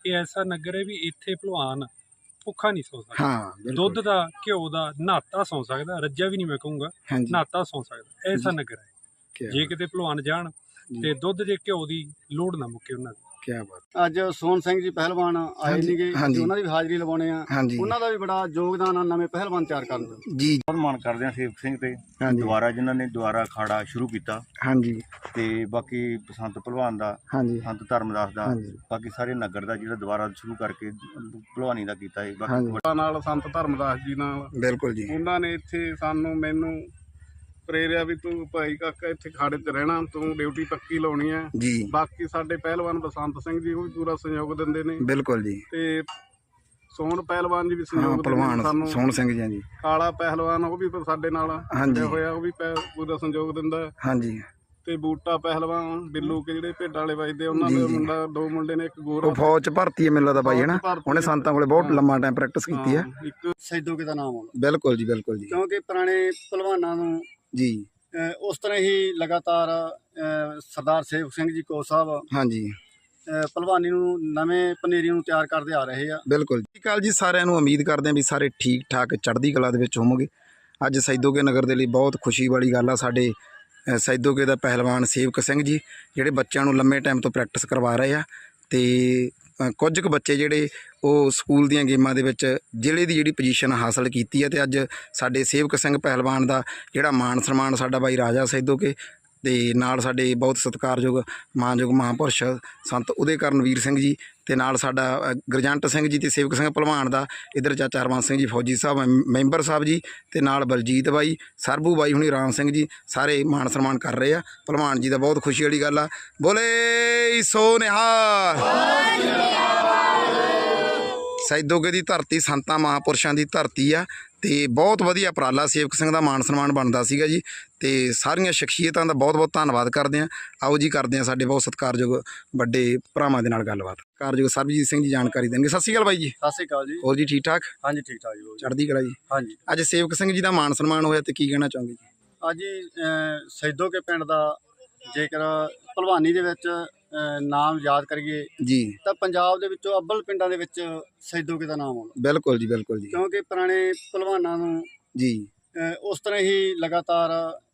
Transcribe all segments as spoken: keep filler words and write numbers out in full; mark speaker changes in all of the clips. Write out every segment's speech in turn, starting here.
Speaker 1: ਇਹ ਐਸਾ ਨਗਰ ਹੈ ਵੀ ਇੱਥੇ ਭਲਵਾਨ ਭੁੱਖਾ ਨਹੀਂ ਸੌ ਸਕਦਾ।
Speaker 2: ਹਾਂ
Speaker 1: ਦੁੱਧ ਦਾ ਘਿਓ ਦਾ ਨਹਾਤਾ ਸੌ ਸਕਦਾ, ਰੱਜਾ ਵੀ ਨਹੀਂ ਮੈਂ ਕਹੂੰਗਾ, ਨਹਾਤਾ ਸੌ ਸਕਦਾ। ਐਸਾ ਨਗਰ ਹੈ। ਜੇ ਕਿਤੇ ਭਲਵਾਨ ਜਾਣ ਤੇ ਦੁੱਧ ਜੇ ਘਿਓ ਦੀ ਲੋੜ ਨਾ ਮੁੱਕੇ ਉਹਨਾਂ ਦੀ।
Speaker 2: ਕੀ ਬਾਤ।
Speaker 3: ਅੱਜ ਸੋਹਣ ਸਿੰਘ ਜੀ ਪਹਿਲਵਾਨ ਆਏ ਨੀਗੇ, ਉਹਨਾਂ ਦੀ ਵੀ ਹਾਜ਼ਰੀ ਲਵਾਉਣੇ ਆ। ਉਹਨਾਂ ਦਾ ਵੀ ਬੜਾ ਯੋਗਦਾਨ ਆ ਨਵੇਂ ਪਹਿਲਵਾਨ ਤਿਆਰ ਕਰਨ ਦਾ
Speaker 2: ਜੀ।
Speaker 4: ਬਹੁਤ ਮਾਣ ਕਰਦੇ ਆ ਸੇਵਕ ਸਿੰਘ ਤੇ ਦੁਬਾਰਾ ਜਿਨ੍ਹਾਂ ਨੇ ਦੁਬਾਰਾ ਅਖਾੜਾ ਸ਼ੁਰੂ ਕੀਤਾ। ਹਾਂਜੀ ਤੇ ਬਾਕੀ ਬਸੰਤ ਪਹਿਲਵਾਨ ਦਾ, ਸੰਤ ਧਰਮਦਾਸ ਦਾ, ਬਾਕੀ ਸਾਰੇ ਨਗਰ ਦਾ ਜਿਹੜਾ ਦੁਬਾਰਾ ਸ਼ੁਰੂ ਕਰਕੇ ਭਲਵਾਨੀ ਦਾ ਕੀਤਾ ਹੈ। ਬਾਕੀ
Speaker 3: ਨਾਲ ਸੰਤ ਧਰਮਦਾਸ ਜੀ ਨਾਲ
Speaker 2: ਬਿਲਕੁਲ ਜੀ,
Speaker 3: ਉਹਨਾਂ ਨੇ ਇੱਥੇ ਸਾਨੂੰ ਮੈਨੂੰ ਪ੍ਰੇਰਿਆ ਵੀ ਤੂੰ ਭਾਈ ਕਾਕਾ ਇੱਥੇ ਖਾੜੇ ਤੇ ਰਹਿਣਾ, ਤੂੰ ਡਿਊਟੀ ਪੱਕੀ ਲਾਉਣੀ ਹੈ ਜੀ। ਬਾਕੀ ਸਾਡੇ ਪਹਿਲਵਾਨ ਬਸੰਤ ਸਿੰਘ ਜੀ ਉਹ ਵੀ ਪੂਰਾ ਸਹਿਯੋਗ ਦਿੰਦੇ ਨੇ।
Speaker 2: ਬਿਲਕੁਲ ਜੀ।
Speaker 3: ਤੇ ਸੋਹਣ ਪਹਿਲਵਾਨ ਜੀ ਵੀ ਸਹਿਯੋਗ ਦਿੰਦੇ ਨੇ ਸਾਨੂੰ।
Speaker 2: ਸੋਹਣ ਸਿੰਘ ਜੀ ਜੀ
Speaker 3: ਕਾਲਾ ਪਹਿਲਵਾਨ ਉਹ ਵੀ ਸਾਡੇ ਨਾਲ ਹੋਇਆ, ਉਹ ਵੀ ਪੂਰਾ ਸਹਿਯੋਗ ਦਿੰਦਾ। ਹਾਂਜੀ। ਤੇ ਬੂਟਾ ਪਹਿਲਵਾਨ ਬਿੱਲੂ ਕੇ ਜਿਹੜੇ ਭੇਡਾਂ ਵਾਲੇ ਵੱਜਦੇ ਉਹਨਾਂ ਦੇ ਮੁੰਡਾ, ਦੋ ਮੁੰਡੇ ਨੇ, ਇੱਕ ਗੋਰਾ।
Speaker 2: ਉਹ ਫੌਜ ਚ ਭਰਤੀ ਹੈ ਮੈਨੂੰ ਲੱਗਦਾ ਬਾਈ, ਹੈ ਨਾ? ਉਹਨੇ ਸੰਤਾਂ ਕੋਲੇ ਬਹੁਤ ਲੰਮਾ ਟਾਈਮ ਪ੍ਰੈਕਟਿਸ ਕੀਤੀ ਹੈ।
Speaker 3: ਇੱਕ ਸੈਦੋਕੇ ਦਾ ਨਾਮ ਆਉਂਦਾ।
Speaker 2: ਬਿਲਕੁਲ ਜੀ, ਬਿਲਕੁਲ ਜੀ।
Speaker 3: ਕਿਉਂਕਿ ਪੁਰਾਣੇ ਪਹਿਲਵਾਨਾਂ ਨੂੰ ਜੀ ਉਸ ਤਰ੍ਹਾਂ ਹੀ ਲਗਾਤਾਰ ਸਰਦਾਰ ਸੇਵਕ ਸਿੰਘ ਜੀ ਕੋ ਸਾਹਿਬ ਹਾਂਜੀ ਪਹਿਲਵਾਨੀ ਨੂੰ ਨਵੇਂ ਪਨੀਰੀ ਨੂੰ ਤਿਆਰ ਕਰਦੇ ਆ ਰਹੇ ਆ।
Speaker 2: ਬਿਲਕੁਲ ਜੀ। ਕੱਲ ਜੀ ਸਾਰਿਆਂ ਨੂੰ ਉਮੀਦ ਕਰਦੇ ਹਾਂ ਵੀ ਸਾਰੇ ਠੀਕ ਠਾਕ ਚੜ੍ਹਦੀ ਕਲਾ ਦੇ ਵਿੱਚ ਹੋਵੋਗੇ। ਅੱਜ ਸੈਦੋਕੇ ਨਗਰ ਦੇ ਲਈ ਬਹੁਤ ਖੁਸ਼ੀ ਵਾਲੀ ਗੱਲ ਆ। ਸਾਡੇ ਸੈਦੋਕੇ ਦਾ ਪਹਿਲਵਾਨ ਸੇਵਕ ਸਿੰਘ ਜੀ ਜਿਹੜੇ ਬੱਚਿਆਂ ਨੂੰ ਲੰਮੇ ਟਾਈਮ ਤੋਂ ਪ੍ਰੈਕਟਿਸ ਕਰਵਾ ਰਹੇ ਆ ਤੇ ਕੁਝ ਕੁ ਬੱਚੇ ਜਿਹੜੇ ਉਹ ਸਕੂਲ ਦੀਆਂ ਗੇਮਾਂ ਦੇ ਵਿੱਚ ਜ਼ਿਲ੍ਹੇ ਦੀ ਜਿਹੜੀ ਪੋਜੀਸ਼ਨ ਹਾਸਲ ਕੀਤੀ ਹੈ। ਤੇ ਅੱਜ ਸਾਡੇ ਸੇਵਕ ਸਿੰਘ ਪਹਿਲਵਾਨ ਦਾ ਜਿਹੜਾ ਮਾਣ ਸਨਮਾਨ ਸਾਡਾ ਬਾਈ ਰਾਜਾ ਸੈਦੋਕੇ ਤੇ ਨਾਲ ਸਾਡੇ ਬਹੁਤ ਸਤਿਕਾਰਯੋਗ ਮਾਨਯੋਗ ਮਹਾਂਪੁਰਸ਼ ਸੰਤ ਉਦੇ ਕਰਨਵੀਰ ਸਿੰਘ ਜੀ ਤੇ ਨਾਲ ਸਾਡਾ ਗੁਰਜੰਟ ਸਿੰਘ ਜੀ ਤੇ ਸੇਵਕ ਸਿੰਘ ਭਲਵਾਨ ਦਾ ਇੱਧਰ ਚਾਚਾ ਹਰਵੰਸ ਸਿੰਘ ਜੀ ਫੌਜੀ ਸਾਹਿਬ ਮੈਂਬਰ ਸਾਹਿਬ ਜੀ ਤੇ ਨਾਲ ਬਲਜੀਤ ਬਾਈ, ਸਰਬੂ ਬਾਈ ਹੁਣੀ, ਰਾਮ ਸਿੰਘ ਜੀ ਸਾਰੇ ਮਾਣ ਸਨਮਾਨ ਕਰ ਰਹੇ ਆ। ਭਲਵਾਨ ਜੀ ਦਾ ਬਹੁਤ ਖੁਸ਼ੀ ਵਾਲੀ ਗੱਲ ਆ। ਬੋਲੇ ਸੋ ਨਿਹਾਲ। ਸੈਦੋਕੇ ਦੀ ਧਰਤੀ ਸੰਤਾਂ ਮਹਾਂਪੁਰਸ਼ਾਂ ਦੀ ਧਰਤੀ ਆ ਤੇ ਬਹੁਤ ਵਧੀਆ ਉਪਰਾਲਾ ਸੇਵਕ ਸਿੰਘ ਦਾ ਮਾਣ ਸਨਮਾਨ ਬਣਦਾ ਸੀਗਾ ਜੀ। ਤੇ ਸਾਰੀਆਂ ਸ਼ਖਸੀਅਤਾਂ ਦਾ ਬਹੁਤ ਬਹੁਤ ਧੰਨਵਾਦ ਕਰਦੇ ਹਾਂ। ਆਓ ਜੀ ਕਰਦੇ ਹਾਂ ਸਾਡੇ ਬਹੁਤ ਸਤਿਕਾਰਯੋਗ ਵੱਡੇ ਭਰਾਵਾਂ ਦੇ ਨਾਲ ਗੱਲਬਾਤ। ਕਾਰਯੋਗ ਸਰਬਜੀਤ ਸਿੰਘ ਜੀ ਜਾਣਕਾਰੀ ਦੇਣਗੇ। ਸਤਿ ਸ਼੍ਰੀ ਅਕਾਲ ਬਾਈ ਜੀ।
Speaker 3: ਸਤਿ ਸ਼੍ਰੀ ਅਕਾਲ ਜੀ।
Speaker 2: ਹੋਰ ਜੀ ਠੀਕ ਠਾਕ?
Speaker 3: ਹਾਂਜੀ ਠੀਕ ਠਾਕ ਜੀ,
Speaker 2: ਚੜ੍ਹਦੀ ਕਲਾ ਜੀ।
Speaker 3: ਹਾਂਜੀ।
Speaker 2: ਅੱਜ ਸੇਵਕ ਸਿੰਘ ਜੀ ਦਾ ਮਾਣ ਸਨਮਾਨ ਹੋਇਆ ਤੇ ਕੀ ਕਹਿਣਾ ਚਾਹੋਗੇ ਜੀ?
Speaker 3: ਅੱਜ ਸੈਦੋਕੇ ਪਿੰਡ ਦਾ ਜੇਕਰ ਭਲਵਾਨੀ ਦੇ ਵਿੱਚ ਨਾਮ ਯਾਦ ਕਰੀਏ ਜੀ ਤਾਂ ਪੰਜਾਬ ਦੇ ਵਿੱਚੋਂ ਅੱਵਲ ਪਿੰਡਾਂ ਦੇ ਵਿੱਚ ਸੈਦੋਕੇ ਦਾ ਨਾਮ ਆਉਂਦਾ। ਬਿਲਕੁਲ ਜੀ, ਬਿਲਕੁਲ ਜੀ। ਕਿਉਂਕਿ ਪੁਰਾਣੇ ਭਲਵਾਨਾਂ ਨੂੰ ਜੀ ਉਸ ਤਰ੍ਹਾਂ ਹੀ ਲਗਾਤਾਰ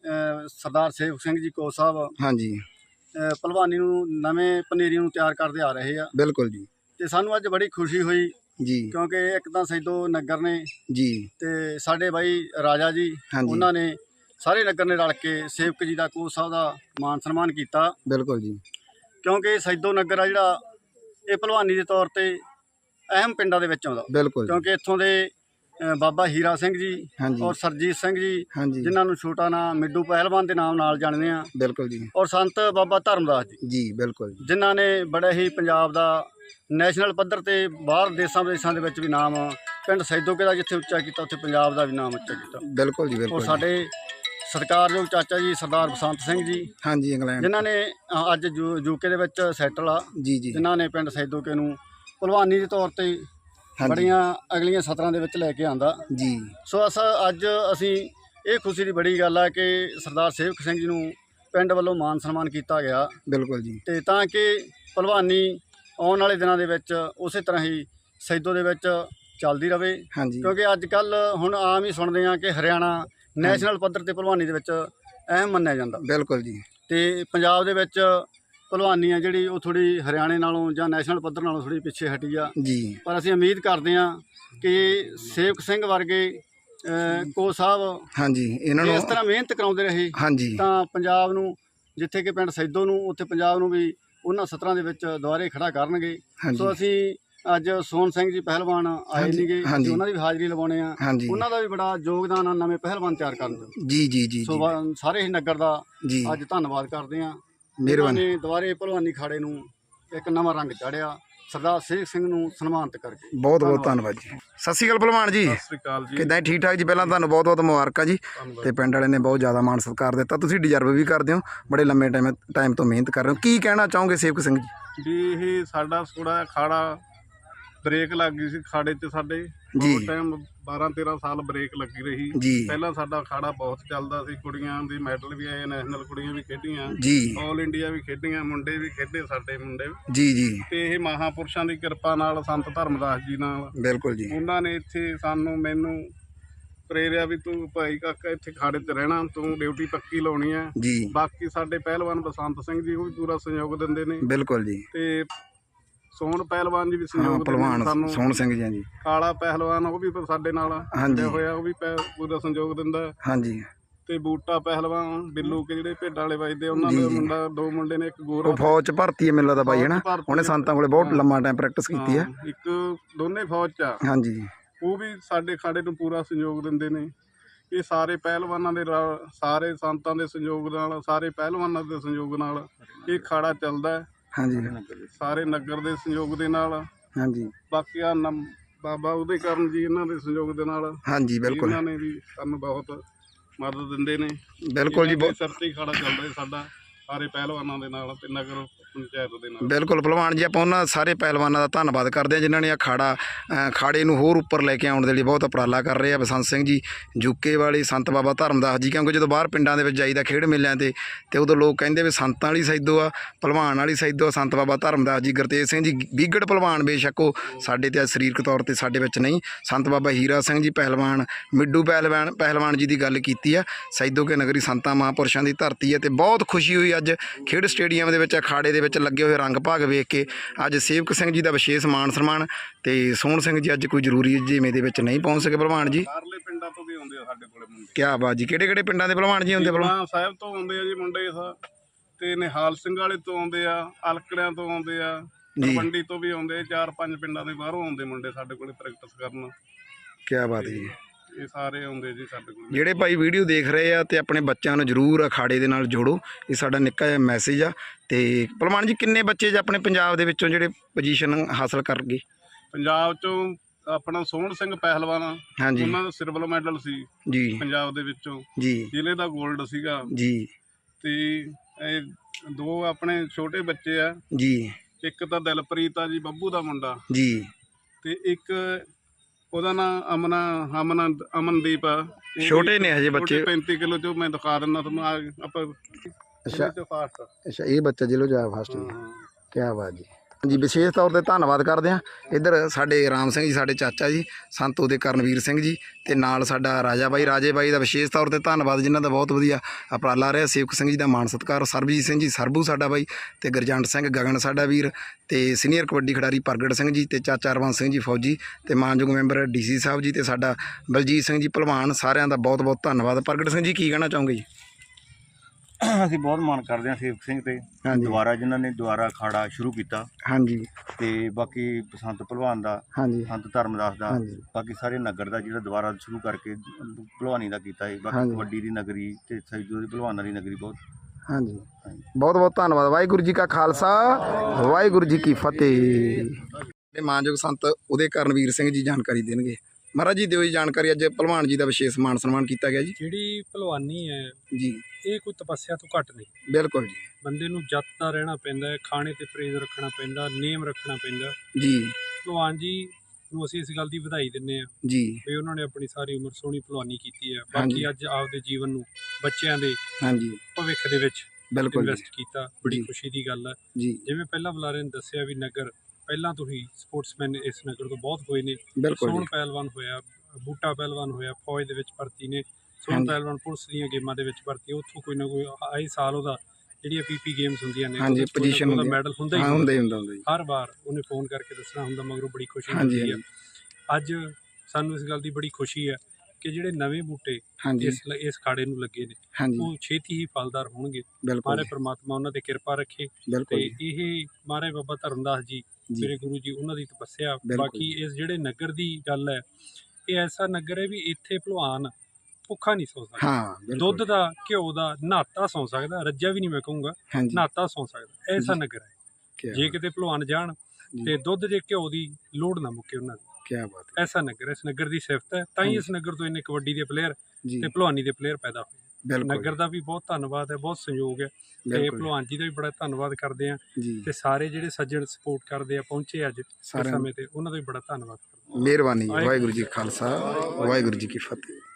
Speaker 3: ਸਰਦਾਰ ਸੇਵਕ ਸਿੰਘ ਜੀ ਕੋ ਸਾਹਿਬ ਹਾਂਜੀ ਭਲਵਾਨੀ ਨੂੰ ਨਵੇਂ ਪਨੀਰੀ ਨੂੰ ਤਿਆਰ ਕਰਦੇ ਆ ਰਹੇ ਆ। ਬਿਲਕੁਲ ਜੀ। ਤੇ ਸਾਨੂੰ ਅੱਜ ਬੜੀ ਖੁਸ਼ੀ ਹੋਈ ਜੀ ਕਿਉਂਕਿ ਇੱਕ ਤਾਂ ਸੈਦੋ ਨਗਰ ਨੇ ਜੀ ਤੇ ਸਾਡੇ ਬਾਈ ਰਾਜਾ ਜੀ ਉਹਨਾਂ ਨੇ ਸਾਰੇ ਨਗਰ ਨੇ ਰਲ ਕੇ ਸੇਵਕ ਜੀ ਦਾ ਕੋ ਸਾਹਿਬ ਦਾ ਮਾਨ ਸਨਮਾਨ ਕੀਤਾ। ਬਿਲਕੁਲ ਜੀ। ਕਿਉਂਕਿ ਸੈਦੋ ਨਗਰ ਆ ਜਿਹੜਾ ਇਹ ਭਲਵਾਨੀ ਦੇ ਤੌਰ ਤੇ ਅਹਿਮ ਪਿੰਡਾਂ ਦੇ ਵਿੱਚ ਆਉਂਦਾ। ਬਿਲਕੁਲ। ਕਿਉਂਕਿ ਇੱਥੋਂ ਦੇ ਬਾਬਾ ਹੀਰਾ ਸਿੰਘ ਜੀ ਔਰ ਸਰਜੀਤ ਸਿੰਘ ਜੀ ਜਿਨ੍ਹਾਂ ਨੂੰ ਛੋਟਾ ਨਾਂ ਮਿੱਡੂ ਪਹਿਲਵਾਨ ਦੇ ਨਾਮ ਨਾਲ ਜਾਣਦੇ ਆ। ਬਿਲਕੁਲ ਜੀ। ਔਰ ਸੰਤ ਬਾਬਾ ਧਰਮਦਾਸ ਜੀ ਜੀ ਬਿਲਕੁਲ, ਜਿਨ੍ਹਾਂ ਨੇ ਬੜਾ ਹੀ ਪੰਜਾਬ ਦਾ ਨੈਸ਼ਨਲ ਪੱਧਰ ਤੇ ਬਾਹਰ ਦੇਸ਼ਾਂ ਵਿਦੇਸ਼ਾਂ ਦੇ ਵਿੱਚ ਵੀ ਨਾਮ ਪਿੰਡ ਸੈਦੋਕੇ ਦਾ ਜਿੱਥੇ ਉੱਚਾ ਕੀਤਾ ਉੱਥੇ ਪੰਜਾਬ ਦਾ ਵੀ ਨਾਮ ਉੱਚਾ ਕੀਤਾ। ਬਿਲਕੁਲ ਜੀ, ਬਿਲਕੁਲ। ਔਰ ਸਾਡੇ ਸਤਿਕਾਰਯੋਗ ਚਾਚਾ ਜੀ ਸਰਦਾਰ ਬਸੰਤ ਸਿੰਘ ਜੀ ਹਾਂਜੀ ਇੰਗਲੈਂਡ ਜਿਨ੍ਹਾਂ ਨੇ ਅੱਜ ਯੂਕੇ ਦੇ ਵਿੱਚ ਸੈਟਲ ਆ ਜੀ ਜੀ ਜਿਨ੍ਹਾਂ ਨੇ ਪਿੰਡ ਸੈਦੋਕੇ ਨੂੰ ਭਲਵਾਨੀ ਦੇ ਤੌਰ ਤੇ ਬੜੀਆਂ ਅਗਲੀਆਂ ਸਤਰਾਂ ਦੇ ਵਿੱਚ ਲੈ ਕੇ ਆਂਦਾ ਜੀ। ਸੋ ਅਸ ਅੱਜ ਅਸੀਂ ਇਹ ਖੁਸ਼ੀ ਦੀ ਬੜੀ ਗੱਲ ਹੈ ਕਿ ਸਰਦਾਰ ਸੇਵਕ ਸਿੰਘ ਜੀ ਨੂੰ ਪਿੰਡ ਵੱਲੋਂ ਮਾਨ ਸਨਮਾਨ ਕੀਤਾ ਗਿਆ। ਬਿਲਕੁਲ ਜੀ। ਤੇ ਤਾਂ ਕਿ ਭਲਵਾਨੀ ਆਉਣ ਵਾਲੇ ਦਿਨਾਂ ਦੇ ਵਿੱਚ ਉਸੇ ਤਰ੍ਹਾਂ ਹੀ ਸੈਦੋ ਦੇ ਵਿੱਚ ਚੱਲਦੀ ਰਹੇ। ਹਾਂਜੀ। ਕਿਉਂਕਿ ਅੱਜ ਕੱਲ੍ਹ ਹੁਣ ਆਮ ਹੀ ਸੁਣਦੇ ਹਾਂ ਕਿ ਹਰਿਆਣਾ ਨੈਸ਼ਨਲ ਪੱਧਰ ਤੇ ਭਲਵਾਨੀ ਦੇ ਵਿੱਚ ਅਹਿਮ ਮੰਨਿਆ ਜਾਂਦਾ। ਬਿਲਕੁਲ ਜੀ। ਤੇ ਪੰਜਾਬ ਦੇ ਵਿੱਚ ਭਲਵਾਨੀ ਆ ਜਿਹੜੀ ਉਹ ਥੋੜ੍ਹੀ ਹਰਿਆਣੇ ਨਾਲੋਂ ਜਾਂ ਨੈਸ਼ਨਲ ਪੱਧਰ ਨਾਲੋਂ ਥੋੜ੍ਹੀ ਪਿੱਛੇ ਹਟੀ ਆ ਜੀ। ਪਰ ਅਸੀਂ ਉਮੀਦ ਕਰਦੇ ਹਾਂ ਕਿ ਸੇਵਕ ਸਿੰਘ ਵਰਗੇ ਕੋ ਸਾਹਿਬ ਹਾਂਜੀ ਇਹਨਾਂ ਨੂੰ ਇਸ ਤਰ੍ਹਾਂ ਮਿਹਨਤ ਕਰਾਉਂਦੇ ਰਹੇ ਹਾਂਜੀ ਤਾਂ ਪੰਜਾਬ ਨੂੰ ਜਿੱਥੇ ਕਿ ਪਿੰਡ ਸੈਦੋ ਨੂੰ ਉੱਥੇ ਪੰਜਾਬ ਨੂੰ ਵੀ ਉਹਨਾਂ ਸਤਰਾਂ ਦੇ ਵਿੱਚ ਦੁਬਾਰੇ ਖੜਾ ਕਰਨਗੇ। ਸੋ ਅਸੀਂ ਅੱਜ ਸੋਹਣ ਸਿੰਘ ਜੀ ਪਹਿਲਵਾਨ ਆਏ ਨੀਗੇ, ਉਹਨਾਂ ਦੀ ਵੀ ਹਾਜ਼ਰੀ ਲਵਾਉਣੇ ਆ। ਉਹਨਾਂ ਦਾ ਵੀ ਬੜਾ ਯੋਗਦਾਨ ਆ ਨਵੇਂ ਪਹਿਲਵਾਨ ਤਿਆਰ ਕਰਨ ਦਾ ਜੀ ਜੀ ਜੀ। ਸੋ ਸਾਰੇ ਹੀ ਨਗਰ ਦਾ ਅੱਜ ਧੰਨਵਾਦ ਕਰਦੇ ਹਾਂ। ਮਿਹਰਬਾਨੀ। ਦੁਬਾਰੇ ਭਲਵਾਨੀ ਖਾੜੇ ਨੂੰ ਇੱਕ ਨਵਾਂ ਰੰਗ ਚੜ੍ਹਿਆ ਸਰਦਾਰ ਸੇਵਕ ਸਿੰਘ ਨੂੰ ਸਨਮਾਨਿਤ ਕਰਕੇ। ਬਹੁਤ ਬਹੁਤ ਧੰਨਵਾਦ ਜੀ। ਸਤਿ ਸ਼੍ਰੀ ਅਕਾਲ ਭਲਵਾਨ ਜੀ। ਸਤਿ ਸ਼੍ਰੀ ਅਕਾਲ ਜੀ। ਕਿੱਦਾਂ ਠੀਕ ਠਾਕ ਜੀ? ਪਹਿਲਾਂ ਤੁਹਾਨੂੰ ਬਹੁਤ ਬਹੁਤ ਮੁਬਾਰਕਾਂ ਜੀ। ਤੇ ਪਿੰਡ ਵਾਲੇ ਨੇ ਬਹੁਤ ਜ਼ਿਆਦਾ ਮਾਣ ਸਤਿਕਾਰ ਦਿੱਤਾ। ਤੁਸੀਂ ਡਿਜ਼ਰਵ ਵੀ ਕਰਦੇ ਹੋ, ਬੜੇ ਲੰਮੇ ਟਾਈਮ ਟਾਈਮ ਤੋਂ ਮਿਹਨਤ ਕਰ ਰਹੇ ਹੋ। ਕੀ ਕਹਿਣਾ ਚਾਹੋਗੇ ਸੇਵਕ ਸਿੰਘ ਜੀ? ਵੀ ਇਹ ਸਾਡਾ ਥੋੜ੍ਹਾ ਖਾੜਾ
Speaker 5: ਬ੍ਰੇਕ ਲੱਗ ਗਈ ਸੀ ਖਾੜੇ 'ਚ ਸਾਡੇ ਬਹੁਤ ਟਾਈਮ ਬਾਰਾਂ ਤੇਰਾਂ ਸਾਲ ਬ੍ਰੇਕ ਲੱਗੀ ਰਹੀ। ਪਹਿਲਾਂ ਸਾਡਾ ਖਾੜਾ ਬਹੁਤ ਚੱਲਦਾ ਸੀ, ਕੁੜੀਆਂ ਦੇ ਮੈਡਲ ਵੀ ਆਏ, ਨੈਸ਼ਨਲ ਕੁੜੀਆਂ ਵੀ ਖੇਡੀਆਂ, ਆਲ ਇੰਡੀਆ ਵੀ ਖੇਡੀਆਂ, ਮੁੰਡੇ ਵੀ ਖੇਡੇ ਸਾਡੇ ਮੁੰਡੇ
Speaker 2: ਜੀ ਜੀ
Speaker 5: ਤੇ ਇਹ ਮਹਾਂਪੁਰਸ਼ਾਂ ਦੀ ਕਿਰਪਾ ਨਾਲ ਸੰਤ ਧਰਮਦਾਸ ਜੀ ਨਾਲ
Speaker 2: ਬਿਲਕੁਲ ਜੀ
Speaker 5: ਉਹਨਾਂ ਨੇ ਇੱਥੇ ਸਾਨੂੰ ਮੈਨੂੰ ਪ੍ਰੇਰਿਆ ਵੀ ਤੂੰ ਭਾਈ ਕਾਕਾ ਇੱਥੇ ਖਾੜੇ 'ਚ ਰਹਿਣਾ, ਤੂੰ ਡਿਊਟੀ ਪੱਕੀ ਲਾਉਣੀ ਹੈ
Speaker 2: ਜੀ।
Speaker 5: ਬਾਕੀ ਸਾਡੇ ਪਹਿਲਵਾਨ ਬਸੰਤ ਸਿੰਘ ਜੀ ਉਹ ਵੀ ਪੂਰਾ ਸਹਿਯੋਗ ਦਿੰਦੇ ਨੇ
Speaker 2: ਬਿਲਕੁਲ ਜੀ।
Speaker 5: ਤੇ ਸੋਹਣ ਪਹਿਲਵਾਨ ਜੀ ਵੀ ਸਹਿਯੋਗ
Speaker 2: ਪਹਿਲਵਾਨ ਸਾਨੂੰ ਸੋਹਣ ਸਿੰਘ ਜੀ ਜੀ
Speaker 5: ਕਾਲਾ ਪਹਿਲਵਾਨ ਉਹ ਵੀ ਸਾਡੇ ਨਾਲ ਹੋਇਆ, ਉਹ ਵੀ ਪੂਰਾ ਸਹਿਯੋਗ ਦਿੰਦਾ
Speaker 2: ਹਾਂਜੀ।
Speaker 5: ਤੇ ਬੂਟਾ ਪਹਿਲਵਾਨ ਬਿੱਲੂ ਕੇ ਜਿਹੜੇ ਭੇਡਾਂ ਵਾਲੇ ਵੱਜਦੇ ਉਹਨਾਂ ਦੇ ਮੁੰਡਾ ਦੋ ਮੁੰਡੇ ਨੇ, ਇੱਕ ਗੋਰਾ
Speaker 2: ਉਹ ਫੌਜ ਚ ਭਰਤੀ ਹੈ ਮੈਨੂੰ ਲੱਗਦਾ ਬਾਈ ਹੈ ਨਾ, ਉਹਨੇ ਸੰਤਾਂ ਕੋਲੇ ਬਹੁਤ ਲੰਮਾ ਟਾਈਮ ਪ੍ਰੈਕਟਿਸ ਕੀਤੀ ਹੈ।
Speaker 5: ਇੱਕ ਦੋਨੇ ਫੌਜ ਚ
Speaker 2: ਹਾਂਜੀ,
Speaker 5: ਉਹ ਵੀ ਸਾਡੇ ਖਾੜੇ ਨੂੰ ਪੂਰਾ ਸਹਿਯੋਗ ਦਿੰਦੇ ਨੇ। ਇਹ ਸਾਰੇ ਪਹਿਲਵਾਨਾਂ ਦੇ ਸਾਰੇ ਸੰਤਾਂ ਦੇ ਸਹਿਯੋਗ ਨਾਲ, ਸਾਰੇ ਪਹਿਲਵਾਨਾਂ ਦੇ ਸਹਿਯੋਗ ਨਾਲ ਇਹ ਖਾੜਾ ਚੱਲਦਾ ਹੈ।
Speaker 2: ਹਾਂਜੀ,
Speaker 5: ਸਾਰੇ ਨਗਰ ਦੇ ਸਹਿਯੋਗ ਦੇ ਨਾਲ।
Speaker 2: ਹਾਂਜੀ,
Speaker 5: ਬਾਕੀ ਆ ਬਾਬਾ ਉਹਦੇ ਕਰਨ ਜੀ ਇਹਨਾਂ ਦੇ ਸਹਿਯੋਗ ਦੇ ਨਾਲ।
Speaker 2: ਹਾਂਜੀ ਬਿਲਕੁਲ,
Speaker 5: ਇਹਨਾਂ ਨੇ ਵੀ ਸਾਨੂੰ ਬਹੁਤ ਮਦਦ ਦਿੰਦੇ ਨੇ।
Speaker 2: ਬਿਲਕੁਲ ਜੀ, ਬਹੁਤ
Speaker 5: ਸਰਤੀ ਖਾੜਾ ਚੱਲਦਾ ਸਾਡਾ ਸਾਰੇ ਪਹਿਲਵਾਨਾਂ ਦੇ ਨਾਲ ਤੇ ਨਗਰ ਪੰਚਾਇਤ ਦੇ ਨਾਲ।
Speaker 2: ਬਿਲਕੁਲ ਪਹਿਲਵਾਨ ਜੀ, ਆਪਾਂ ਉਹਨਾਂ ਸਾਰੇ ਪਹਿਲਵਾਨਾਂ ਦਾ ਧੰਨਵਾਦ ਕਰਦੇ ਹਾਂ ਜਿਨ੍ਹਾਂ ਨੇ ਆ ਖਾੜਾ ਖਾੜੇ ਨੂੰ ਹੋਰ ਉੱਪਰ ਲੈ ਕੇ ਆਉਣ ਦੇ ਲਈ ਬਹੁਤ ਉਪਰਾਲਾ ਕਰ ਰਹੇ ਆ। ਬਸੰਤ ਸਿੰਘ ਜੀ ਜੁਕੇ ਵਾਲੇ, ਸੰਤ ਬਾਬਾ ਧਰਮਦਾਸ ਜੀ, ਕਿਉਂਕਿ ਜਦੋਂ ਬਾਹਰ ਪਿੰਡਾਂ ਦੇ ਵਿੱਚ ਜਾਈਦਾ ਖੇਡ ਮੇਲਿਆਂ ਤੇ ਤੇ ਉਦੋਂ ਲੋਕ ਕਹਿੰਦੇ ਵੀ ਸੰਤਾਂ ਵਾਲੀ ਸੈਦੋ ਆ, ਪਹਿਲਵਾਨ ਵਾਲੀ ਸੈਦੋ ਆ। ਸੰਤ ਬਾਬਾ ਧਰਮਦਾਸ ਜੀ, ਗੁਰਤੇਜ ਸਿੰਘ ਜੀ ਬੀਗੜ ਪਹਿਲਵਾਨ, ਬੇਸ਼ੱਕ ਉਹ ਸਾਡੇ ਤੇ ਸਰੀਰਕ ਤੌਰ ਤੇ ਸਾਡੇ ਵਿੱਚ ਨਹੀਂ। ਸੰਤ ਬਾਬਾ ਹੀਰਾ ਸਿੰਘ ਜੀ ਪਹਿਲਵਾਨ, ਮਿੱਡੂ ਪਹਿਲਵਾਨ ਪਹਿਲਵਾਨ ਜੀ ਦੀ ਗੱਲ ਕੀਤੀ ਆ। ਸੈਦੋ ਕੇ ਨਗਰੀ ਸੰਤਾਂ ਮਹਾਂਪੁਰਸ਼ਾਂ ਦੀ ਧਰਤੀ ਹੈ ਤੇ ਬਹੁਤ ਖੁਸ਼ੀ ਹੋਈ ਅੱਜ ਖੇਡ ਸਟੇਡੀਅਮ ਦੇ ਵਿੱਚ ਅਖਾੜੇ ਦੇ ਵਿੱਚ ਲੱਗੇ ਹੋਏ ਰੰਗ ਭਾਗ ਵੇਖ ਕੇ। ਅੱਜ ਸੇਵਕ ਸਿੰਘ ਜੀ ਦਾ ਵਿਸ਼ੇਸ਼ ਮਾਣ ਸਨਮਾਨ ਤੇ ਸੋਹਣ ਸਿੰਘ ਜੀ ਅੱਜ ਕੋਈ ਜ਼ਰੂਰੀ ਜਿਵੇਂ ਦੇ ਵਿੱਚ ਨਹੀਂ ਪਹੁੰਚ ਸਕੇ ਪਹਿਲਵਾਨ ਜੀ।
Speaker 5: ਬਾਹਰਲੇ ਪਿੰਡਾਂ ਤੋਂ ਵੀ ਆਉਂਦੇ ਆ ਸਾਡੇ ਕੋਲੇ ਮੁੰਡੇ।
Speaker 2: ਕਿਆ ਬਾਤ ਜੀ, ਕਿਹੜੇ ਕਿਹੜੇ ਪਿੰਡਾਂ ਦੇ ਪਹਿਲਵਾਨ ਜੀ ਆਉਂਦੇ?
Speaker 5: ਪਹਿਲਵਾਨ ਸਾਹਿਬ ਤੋਂ ਆਉਂਦੇ ਆ ਜੀ ਮੁੰਡੇ ਤੇ ਨਿਹਾਲ ਸਿੰਘ ਵਾਲੇ ਤੋਂ ਆਉਂਦੇ ਆ, ਅਲਕੜਿਆਂ ਤੋਂ ਆਉਂਦੇ ਆ, ਮੰਡੀ ਤੋਂ ਵੀ ਆਉਂਦੇ, ਚਾਰ ਪੰਜ ਪਿੰਡਾਂ ਦੇ ਬਾਹਰੋਂ ਆਉਂਦੇ ਮੁੰਡੇ ਸਾਡੇ ਕੋਲੇ ਪ੍ਰੈਕਟਿਸ ਕਰਨ।
Speaker 2: ਕਿਆ ਬਾਤ ਜੀ,
Speaker 5: ਇਹ ਸਾਰੇ ਆਉਂਦੇ ਜੀ ਸਾਡੇ ਕੋਲ।
Speaker 2: ਜਿਹੜੇ ਭਾਈ ਵੀਡੀਓ ਦੇਖ ਰਹੇ ਆ ਤੇ ਆਪਣੇ ਬੱਚਿਆਂ ਨੂੰ ਜ਼ਰੂਰ ਅਖਾੜੇ ਦੇ ਨਾਲ ਜੋੜੋ, ਇਹ ਸਾਡਾ ਨਿੱਕਾ ਜਿਹਾ ਮੈਸੇਜ ਆ। ਤੇ ਪਹਿਲਵਾਨ ਜੀ ਕਿੰਨੇ ਬੱਚੇ ਜੀ ਆਪਣੇ ਪੰਜਾਬ ਦੇ ਵਿੱਚੋਂ ਜਿਹੜੇ ਪੋਜੀਸ਼ਨ ਹਾਸਲ ਕਰ ਗਏ?
Speaker 5: ਪੰਜਾਬ ਚੋਂ ਆਪਣਾ ਸੋਹਣ ਸਿੰਘ ਪਹਿਲਵਾਨ,
Speaker 2: ਹਾਂਜੀ,
Speaker 5: ਉਹਨਾਂ ਦਾ ਸਿਲਵਰ ਮੈਡਲ ਸੀ ਜੀ ਪੰਜਾਬ ਦੇ ਵਿੱਚੋਂ ਜੀ, ਜ਼ਿਲ੍ਹੇ ਦਾ 골ਡ ਸੀਗਾ ਜੀ। ਤੇ ਇਹ ਦੋ ਆਪਣੇ ਛੋਟੇ ਬੱਚੇ ਆ ਜੀ, ਇੱਕ ਤਾਂ ਦਿਲਪ੍ਰੀਤ ਆ ਜੀ ਬੱਬੂ ਦਾ ਮੁੰਡਾ ਜੀ, ਤੇ ਇੱਕ ਉਹਦਾ ਨਾਂ ਅਮਨਾ ਅਮਨ ਅਮਨਦੀਪ ਆ।
Speaker 2: ਛੋਟੇ ਨੇ ਹਜੇ ਬੱਚੇ,
Speaker 5: ਪੈਂਤੀ ਕਿਲੋ ਚੋਂ ਮੈਂ ਦਿਖਾ ਦਿੰਦਾ ਤੁਹਾਨੂੰ ਆਪਾਂ।
Speaker 2: ਅੱਛਾ ਅੱਛਾ, ਇਹ ਬੱਚਾ ਜ਼ਿਲ੍ਹੇ ਜਾ ਫਸਟ ਜੀ, ਕਿਆ ਬਾਤ ਜੀ। ਜੀ ਵਿਸ਼ੇਸ਼ ਤੌਰ ਤੇ ਧੰਨਵਾਦ ਕਰਦੇ ਹਾਂ ਇੱਧਰ ਸਾਡੇ ਰਾਮ ਸਿੰਘ ਜੀ, ਸਾਡੇ ਚਾਚਾ ਜੀ, ਸੰਤ ਉਹਦੇ ਕਰਨਵੀਰ ਸਿੰਘ ਜੀ, ਤੇ ਨਾਲ ਸਾਡਾ ਰਾਜਾ ਬਾਈ, ਰਾਜੇ ਬਾਈ ਦਾ ਵਿਸ਼ੇਸ਼ ਤੌਰ ਤੇ ਧੰਨਵਾਦ ਜਿਨ੍ਹਾਂ ਦਾ ਬਹੁਤ ਵਧੀਆ ਉਪਰਾਲਾ ਰਿਹਾ। ਸੇਵਕ ਸਿੰਘ ਜੀ ਦਾ ਮਾਣ ਸਤਿਕਾਰ, ਸਰਬਜੀਤ ਸਿੰਘ ਜੀ ਸਰਬੂ ਸਾਡਾ ਬਾਈ, ਤੇ ਗੁਰਜੰਟ ਸਿੰਘ ਗਗਨ ਸਾਡਾ ਵੀਰ, ਤੇ ਸੀਨੀਅਰ ਕਬੱਡੀ ਖਿਡਾਰੀ ਪ੍ਰਗਟ ਸਿੰਘ ਜੀ, ਤੇ ਚਾਚਾ ਰਵੰਤ ਸਿੰਘ ਜੀ ਫੌਜੀ, ਤੇ ਮਾਨਯੋਗ ਮੈਂਬਰ ਡੀਸੀ ਸਾਹਿਬ ਜੀ, ਤੇ ਸਾਡਾ ਬਲਜੀਤ ਸਿੰਘ ਜੀ ਪਹਿਲਵਾਨ। ਸਾਰਿਆਂ ਦਾ ਬਹੁਤ ਬਹੁਤ ਧੰਨਵਾਦ। ਪ੍ਰਗਟ ਸਿੰਘ ਜੀ ਕੀ ਕਹਿਣਾ ਚਾਹੋਗੇ ਜੀ?
Speaker 4: ਅਸੀਂ ਬਹੁਤ ਮਾਣ ਕਰਦੇ ਹਾਂ ਸੇਵਕ ਸਿੰਘ ਤੇ, ਦੁਬਾਰਾ ਜਿਨ੍ਹਾਂ ਨੇ ਦੁਬਾਰਾ ਖਾੜਾ ਸ਼ੁਰੂ ਕੀਤਾ। ਹਾਂਜੀ, ਤੇ ਬਾਕੀ ਸੰਤ ਪਹਿਲਵਾਨ ਦਾ, ਹਾਂਜੀ, ਸੰਤ ਧਰਮਦਾਸ ਦਾ, ਬਾਕੀ ਸਾਰੇ ਨਗਰ ਦਾ ਜਿਹੜਾ ਦੁਬਾਰਾ ਸ਼ੁਰੂ ਕਰਕੇ ਪਹਿਲਵਾਨੀ ਦਾ ਕੀਤਾ ਹੈ। ਬਾਕੀ ਕਬੱਡੀ ਦੀ ਨਗਰੀ ਤੇ ਸੈਦੋ ਦੀ ਪਹਿਲਵਾਨਾਂ ਦੀ ਨਗਰੀ ਬਹੁਤ। ਹਾਂਜੀ,
Speaker 2: ਬਹੁਤ ਬਹੁਤ ਧੰਨਵਾਦ। ਵਾਹਿਗੁਰੂ ਜੀ ਕਾ ਖਾਲਸਾ, ਵਾਹਿਗੁਰੂ ਜੀ ਕੀ ਫਤਿਹ। ਮਾਨਯੋਗ ਸੰਤ ਉਹਦੇ ਕਰਨਵੀਰ ਸਿੰਘ ਜੀ ਜਾਣਕਾਰੀ ਦੇਣਗੇ। ਮਹਾਰਾਜ ਜੀ ਦਿਓ ਜੀ ਜਾਣਕਾਰੀ। ਅੱਜ ਪਹਿਲਵਾਨ ਜੀ ਦਾ ਵਿਸ਼ੇਸ਼ ਮਾਣ ਸਨਮਾਨ ਕੀਤਾ ਗਿਆ ਜੀ।
Speaker 1: ਜਿਹੜੀ ਪਹਿਲਵਾਨੀ ਹੈ ਜੀ, ਇਹ ਕੋਈ ਤਪੱਸਿਆ ਤੋਂ ਘੱਟ ਨਹੀਂ।
Speaker 2: ਬਿਲਕੁਲ ਜੀ,
Speaker 1: ਬੰਦੇ ਨੂੰ ਜੱਤਦਾ ਰਹਿਣਾ ਪੈਂਦਾ ਹੈ, ਖਾਣੇ ਤੇ ਪਰਹੇਜ਼ ਰੱਖਣਾ ਪੈਂਦਾ, ਨੇਮ ਰੱਖਣਾ ਪੈਂਦਾ ਜੀ। ਪਹਿਲਵਾਨ ਜੀ ਨੂੰ ਅਸੀਂ ਇਸ ਗੱਲ ਦੀ ਵਧਾਈ ਦਿੰਦੇ ਹਾਂ ਜੀ ਵੀ ਉਹਨਾਂ ਨੇ ਆਪਣੀ ਸਾਰੀ ਉਮਰ ਸੋਹਣੀ ਪਹਿਲਵਾਨੀ ਕੀਤੀ ਹੈ। ਬਾਕੀ ਅੱਜ ਆਪਦੇ ਜੀਵਨ ਨੂੰ ਬੱਚਿਆਂ ਦੇ ਹਾਂਜੀ ਭਵਿੱਖ ਦੇ ਵਿੱਚ ਬਿਲਕੁਲ ਇਨਵੈਸਟ ਕੀਤਾ, ਬੜੀ ਖੁਸ਼ੀ ਦੀ ਗੱਲ ਹੈ ਜੀ। ਜਿਵੇਂ ਪਹਿਲਾਂ ਬੁਲਾਰੇ ਨੇ ਦੱਸਿਆ ਵੀ ਨਗਰ ਪਹਿਲਾਂ ਤੋਂ ਹੀ ਸਪੋਰਟਸਮੈਨ ਇਸ ਨਗਰ ਤੋਂ ਬਹੁਤ ਹੋਏ ਨੇ। ਸੋਹਣ ਪਹਿਲਵਾਨ ਹੋਇਆ, ਬੂਟਾ ਪਹਿਲਵਾਨ ਹੋਇਆ, ਫੌਜ ਦੇ ਵਿੱਚ ਭਰਤੀ ਨੇ। ਸੋਹਣ ਪਹਿਲਵਾਨ ਪੁਲਿਸ ਦੀਆਂ ਗੇਮਾਂ ਦੇ ਵਿੱਚ ਭਰਤੀ, ਉੱਥੋਂ ਕੋਈ ਨਾ ਕੋਈ ਆਏ ਸਾਲ ਉਹਦਾ ਜਿਹੜੀਆਂ ਪੀਪੀ ਗੇਮਸ ਹੁੰਦੀਆਂ ਨੇ ਉਹਦਾ ਮੈਡਲ ਹੁੰਦਾ ਹੀ ਹੁੰਦਾ। ਹਰ ਵਾਰ ਉਹਨੇ ਫੋਨ ਕਰਕੇ ਦੱਸਣਾ ਹੁੰਦਾ, ਮਗਰੋਂ ਬੜੀ ਖੁਸ਼ੀ ਹੁੰਦੀ ਹੈ। ਅੱਜ ਸਾਨੂੰ ਇਸ ਗੱਲ ਦੀ ਬੜੀ ਖੁਸ਼ੀ ਹੈ ਕਿ ਜਿਹੜੇ ਨਵੇਂ ਬੂਟੇ ਇਸ ਇਸ ਖਾੜੇ ਨੂੰ ਲੱਗੇ ਨੇ ਉਹ ਛੇਤੀ ਹੀ ਫਲਦਾਰ ਹੋਣਗੇ। ਮਹਾਰਾਜ ਪ੍ਰਮਾਤਮਾ ਉਹਨਾਂ ਤੇ ਕਿਰਪਾ ਰੱਖੇ ਤੇ ਇਹ ਮਹਾਰਾਜ ਬਾਬਾ ਧਰਮਦਾਸ ਜੀ ਮੇਰੇ ਗੁਰੂ ਜੀ ਉਹਨਾਂ ਦੀ ਤਪੱਸਿਆ। ਬਾਕੀ ਇਸ ਜਿਹੜੇ ਨਗਰ ਦੀ ਗੱਲ ਹੈ, ਇਹ ਐਸਾ ਨਗਰ ਹੈ ਵੀ ਇੱਥੇ ਭਲਵਾਨ ਭੁੱਖਾ ਨਹੀਂ ਸੌ ਸਕਦਾ। ਦੁੱਧ ਦਾ, ਘਿਓ ਦਾ ਨਹਾਤਾ ਸੌ ਸਕਦਾ, ਰੱਜਿਆ ਵੀ ਨਹੀਂ ਮੈਂ ਕਹੂੰਗਾ, ਨਹਾਤਾ ਸੌ ਸਕਦਾ। ਐਸਾ ਨਗਰ ਹੈ। ਜੇ ਕਿਤੇ ਭਲਵਾਨ ਜਾਣ ਤੇ ਦੁੱਧ ਦੇ ਘਿਓ ਦੀ ਲੋੜ ਨਾ ਮੁੱਕੇ ਉਹਨਾਂ ਦੀ। ਕਿਆ ਬਾਤ, ਐਸਾ ਨਗਰ, ਇਸ ਨਗਰ ਦੀ ਸਿਫਤ ਹੈ। ਤਾਂ ਹੀ ਇਸ ਨਗਰ ਤੋਂ ਇੰਨੇ ਕਬੱਡੀ ਦੇ ਪਲੇਅਰ ਤੇ ਭਲਵਾਨੀ ਦੇ ਪਲੇਅਰ ਪੈਦਾ ਹੋਏ। ਨਗਰ ਦਾ ਵੀ ਬਹੁਤ ਧੰਨਵਾਦ ਹੈ, ਬਹੁਤ ਸਹਿਯੋਗ ਹੈ ਤੇ ਭਲਵਾਨ ਜੀ ਦਾ ਵੀ ਬੜਾ ਧੰਨਵਾਦ ਕਰਦੇ ਆ ਤੇ ਸਾਰੇ ਜਿਹੜੇ ਸੱਜਣ ਸਪੋਰਟ ਕਰਦੇ ਆ ਪਹੁੰਚੇ ਅੱਜ ਇਸ ਸਮੇਂ ਤੇ ਉਹਨਾਂ ਦਾ ਵੀ ਬੜਾ ਧੰਨਵਾਦ।
Speaker 2: ਮਿਹਰਬਾਨੀ, ਵਾਹਿਗੁਰੂ ਜੀ ਖਾਲਸਾ, ਵਾਹਿਗੁਰੂ ਜੀ ਕੀ ਫਤਿਹ।